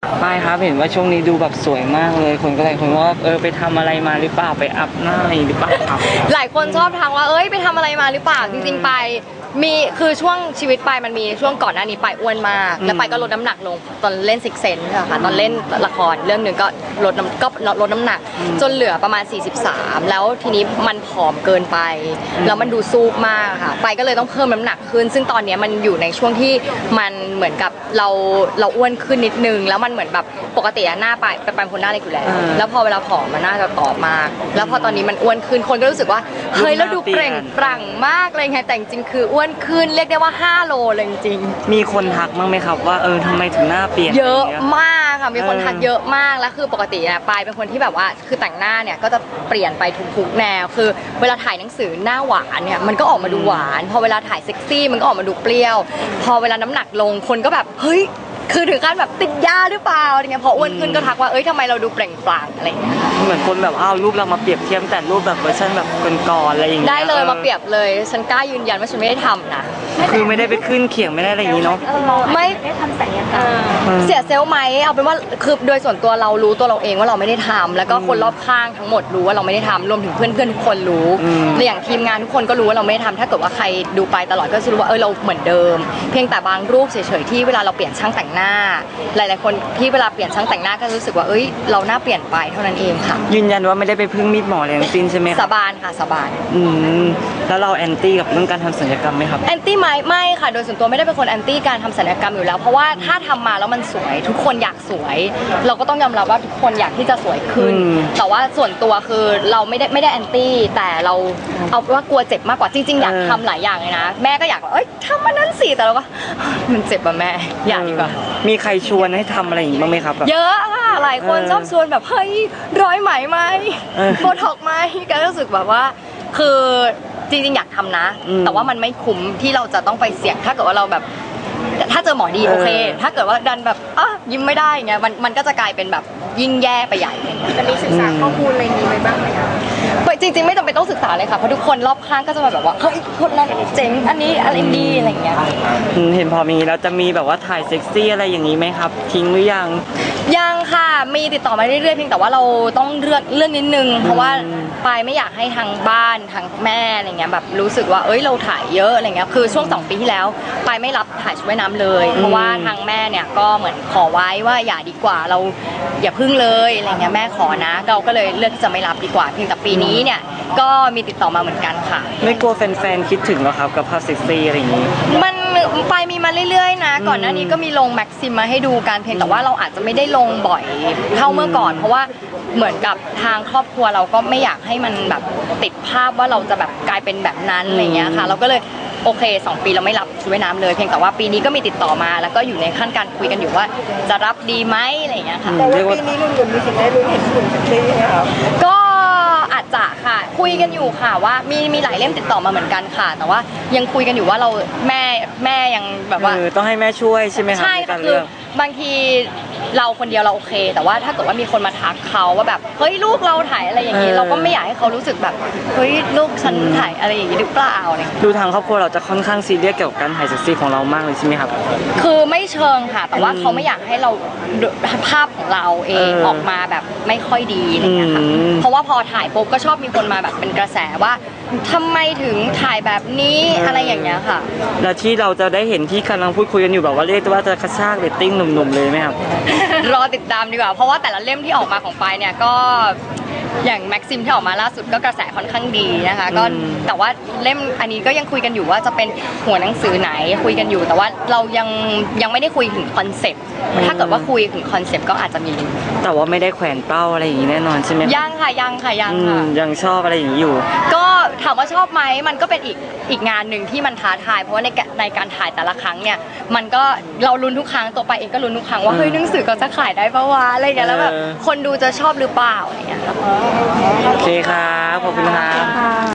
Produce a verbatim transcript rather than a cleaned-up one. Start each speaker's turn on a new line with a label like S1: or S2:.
S1: ไม่ครับเห็นว่าช่วงนี้ดูแบบสวยมากเลยคนก็เลยคนว่าเออไปทำอะไรมาหรือเปล่าไปอัพหน้าหรือเปล่าครับ
S2: หลายคนชอบทางว่าเอ้ยไปทำอะไรมาหรือเปล่าจริงๆไปมีคือช่วงชีวิตไปมันมีช่วงก่อนหน้านี้ไปอ้วนมากแล้วไปก็ลดน้ำหนักลงตอนเล่นซิกเซนค่ะตอนเล่นละครเรื่องหนึ่งก็ลดน้ำก็ลดน้ำหนักจนเหลือประมาณสี่สิบสามแล้วทีนี้มันผอมเกินไปแล้วมันดูซูบมากค่ะไปก็เลยต้องเพิ่มน้ำหนักขึ้นซึ่งตอนนี้มันอยู่ในช่วงที่มันเหมือนกับเราเราอ้วนขึ้นนิดนึงแล้วมันเหมือนแบบปกติหน้าไปไปเป็นคนหน้าเล็กอยู่แล้วแล้วพอเวลาผอมมันน่าจะตอบมากแล้วพอตอนนี้มันอ้วนขึ้นคนก็รู้สึกว่าเฮ้ยแล้วดูเปล่งปลั่งมากเลยไงแต่จริงคืออ้วนขึ้นเรียกได้ว่าห้าโลเลยจริง
S1: มีคนทักมั้งไหมครับว่าเออทำไมถึงหน้าเปลี่ยน
S2: เยอะมากค่ะมีคนทักเยอะมากแล้วคือปกติเนี่ยปายเป็นคนที่แบบว่าคือแต่งหน้าเนี่ยก็จะเปลี่ยนไปทุกๆแนวคือเวลาถ่ายหนังสือหน้าหวานเนี่ยมันก็ออกมาดูหวานพอเวลาถ่ายเซ็กซี่มันก็ออกมาดูเปรี้ยวพอเวลาน้ำหนักลงคนก็แบบเฮ้ยคือถึงขั้นแบบติดยาหรือเปล่าอะไรเงี้ยพออ้วนขึ้นก็ทักว่าเอ้ยทำไมเราดูเปล่งปลั่งอะไรอย่างเงี้ย
S1: เหมือนคนแบบเอารูปเรามาเปรียบเทียบแต่รูปแบบเวอร์ชันแบบก่อนๆอะไรอย่างเงี้ย
S2: ได้เลยมาเปรียบเลยฉันกล้ายืนยันว่าฉันไม่ได้ทำนะ
S1: คือไม่ได้ไปขึ้นเขียงไม่ได้อะไรอย่างนี้เนาะ
S2: ไม่ได้ทำศัลยกรรมเสียเซลล์ไหมเอาเป็นว่าคือโดยส่วนตัวเรารู้ตัวเราเองว่าเราไม่ได้ทำแล้วก็คนรอบข้างทั้งหมดรู้ว่าเราไม่ได้ทำรวมถึงเพื่อนๆทุกคนรู้และอย่างทีมงานทุกคนก็รู้ว่าเราไม่ได้ทำถ้าเกิดว่าใครดูไปตลอดก็จะรู้ว่าเออเราเหมือนเดิมเพียงแต่บางรูปเฉยๆที่เวลาเราเปลี่ยนช่างแต่งหน้าหลายๆคนที่เวลาเปลี่ยนช่างแต่งหน้าก็รู้สึกว่าเอ้ยเราหน้าเปลี่ยนไปเท่านั้นเองค่ะ
S1: ยืนยันว่าไม่ได้ไปพึ่งมีดหมออะไรทั้งสิ้นใช่ไหม
S2: สาบานค่ะสาบาน
S1: อืมแล้วเราแอนตี้กับเรื่องการทำศัลยกรรมไหมครับ
S2: แอนตี้ไหมไม่ค่ะโดยส่วนตัวไม่ได้เป็นคนแอนตี้การทำศัลยกรรมอยู่แล้วเพราะว่าถ้าทำมาแล้วมันสวยทุกคนอยากสวย เราก็ต้องยอมรับว่าทุกคนอยากที่จะสวยขึ้นแต่ว่าส่วนตัวคือเราไม่ได้ไม่ได้แอนตี้แต่เราเอาว่ากลัวเจ็บมากกว่าจริงๆอยากทำหลายอย่างเลยนะแม่ก็อยากเอ้ยทำมันนั้นสิแต่เราก็มันเจ็บอะแม่อยากดีกว่า
S1: มีใครชวนให้ทำอะไรอย่างนี้บ้างไหมครับ
S2: เยอะค่ะหลายคนชอบชวนแบบเฮ้ยร้อยไหมไหมโบท็อกไหมก็รู้สึกแบบว่าคือจริงๆอยากทำนะแต่ว่ามันไม่คุ้มที่เราจะต้องไปเสี่ยงถ้าเกิดว่าเราแบบถ้าเจอหมอดีโอเคถ้าเกิดว่าดันแบบอ่ะยิ้มไม่ได้เงี้ยมันมันก็จะกลายเป็นแบบยิ่งแย่ไปใหญ่
S3: จะมีศึกษาข้อมูลอะไรนี้ไว้บ้างไหมคะ
S2: จริงๆไม่จำเป็นต้องศึกษาเลยค่ะเพราะทุกคนรอบข้างก็จะมาแบบว่าเฮ้ยคนนั้นเจ๋งอันนี้อะไรดีอะไรเงี้ย
S1: เห็นพอมีแล้วจะมีแบบว่าถ่ายเซ็กซี่อะไรอย่างนี้ไหมครับทิ้งหรือยัง
S2: ยังค่ะมีติดต่อมาเรื่อยๆเพียงแต่ว่าเราต้องเลือกเรื่องนิดนึงเพราะว่าปายไม่อยากให้ทางบ้านทางแม่อะไรเงี้ยแบบรู้สึกว่าเอ้ยเราถ่ายเยอะอะไรเงี้ยคือช่วงสองปีที่แล้วปายไม่รับถ่ายชุดว่ายน้ำเลยเพราะว่าทางแม่เนี่ยก็เหมือนขอไว้ว่าอย่าดีกว่าเราอย่าพึ่งเลยอะไรเงี้ยแม่ขอนะเราก็เลยเลือกที่จะไม่รับดีกว่าเพียงแต่ปีนี้เนี่ยก็มีติดต่อมาเหมือนกันค่ะ
S1: ไม่กลัวแฟนๆคิดถึงหรอครับกับภาพเซ็กซี่อะไรอย่างนี้
S2: มันไปมีมาเรื่อยๆนะก่อนหน้านี้ก็มีลงแม็กซิมมาให้ดูการเพลงแต่ว่าเราอาจจะไม่ได้ลงบ่อยเท่าเมื่อก่อนเพราะว่าเหมือนกับทางครอบครัวเราก็ไม่อยากให้มันแบบติดภาพว่าเราจะแบบกลายเป็นแบบนั้นอะไรเงี้ยค่ะเราก็เลยโอเคสองปีเราไม่รับชุดว่ายน้ำเลยเพียงแต่ว่าปีนี้ก็มีติดต่อมาแล้วก็อยู่ในขั้นการคุยกันอยู่ว่าจะรับดีไหมอะไรเงี้ยค่ะ
S3: แต่ว่าปีนี้ลุงหยุดมีสิทธิ์ได้ลุ้นเห็นหุ่นเซ็กซี่ไหมครับ
S2: ก็อาจจะค่ะคุยกันอยู่ค่ะว่ามีมีหลายเล่มติดต่อมาเหมือนกันค่ะแต่ว่ายังคุยกันอยู่ว่าเราแม่แม่ยังแบบว่า
S1: ต้องให้แม่ช่วยใช่ไหมคะ
S2: ใช่คือบางทีเราคนเดียวเราโอเคแต่ว่าถ้าเกิดว่ามีคนมาทักเขาว่าแบบเฮ้ยลูกเราถ่ายอะไรอย่างนี้เราก็ไม่อยากให้เขารู้สึกแบบเฮ้ยลูกฉันถ่ายอะไรอย่างนี้หรือเปล่าเนี่ย
S1: ดูทางครอบครัวเราจะค่อนข้างซีเรียสเกี่ยวกับการถ่ายเซ็กซี่ของเรามากเลยใช่ไหมครับ
S2: คือไม่เชิงค่ะแต่ว่าเขาไม่อยากให้เราภาพของเราเองออกมาแบบไม่ค่อยดีอะไรอย่างเงี้ยค่ะเพราะว่าพอถ่ายปุ๊บก็ชอบมีคนมาแบบเป็นกระแสว่าทำไมถึงถ่ายแบบนี้อะไรอย่างเงี้ยค่ะ
S1: แล้วที่เราจะได้เห็นที่กำลังพูดคุยกันอยู่แบบว่าเรียกว่าจะกระชากเรตติ้งหนุ่มๆเลยไหมครับ
S2: รอติดตามดีกว่าเพราะว่าแต่ละเล่มที่ออกมาของปายเนี่ยก็อย่างแม็กซิมที่ออกมาล่าสุดก็กระแสค่อนข้างดีนะคะก็แต่ว่าเล่มอันนี้ก็ยังคุยกันอยู่ว่าจะเป็นหัวหนังสือไหนคุยกันอยู่แต่ว่าเรายังยังไม่ได้คุยถึงคอนเซปต์ถ้าเกิดว่าคุยถึงคอนเซปต์ก็อาจจะมี
S1: แต่ว่าไม่ได้แขวนเป้าอะไรอย่างนี้แน่นอนใช่ไหม
S2: ยังค่ะยังค่ะยังค่ะ
S1: ยังชอบอะไรอย่างนี้อยู่
S2: ก็ถามว่าชอบไหมมันก็เป็นอีกอีกงานหนึ่งที่มันท้าทายเพราะว่าในในการถ่ายแต่ละครั้งเนี่ยมันก็เราลุ้นทุกครั้งตัวไปเองก็ลุ้นทุกครั้งว่าเฮ้ยหนังสือเขาจะขายได้ปะวะอะไรอย่างเงี้ยแล้วแบบคนดูจะชอบหรือเปล่าอะไรอย่างเงี้ย
S1: โอเคครับขอบคุณครับ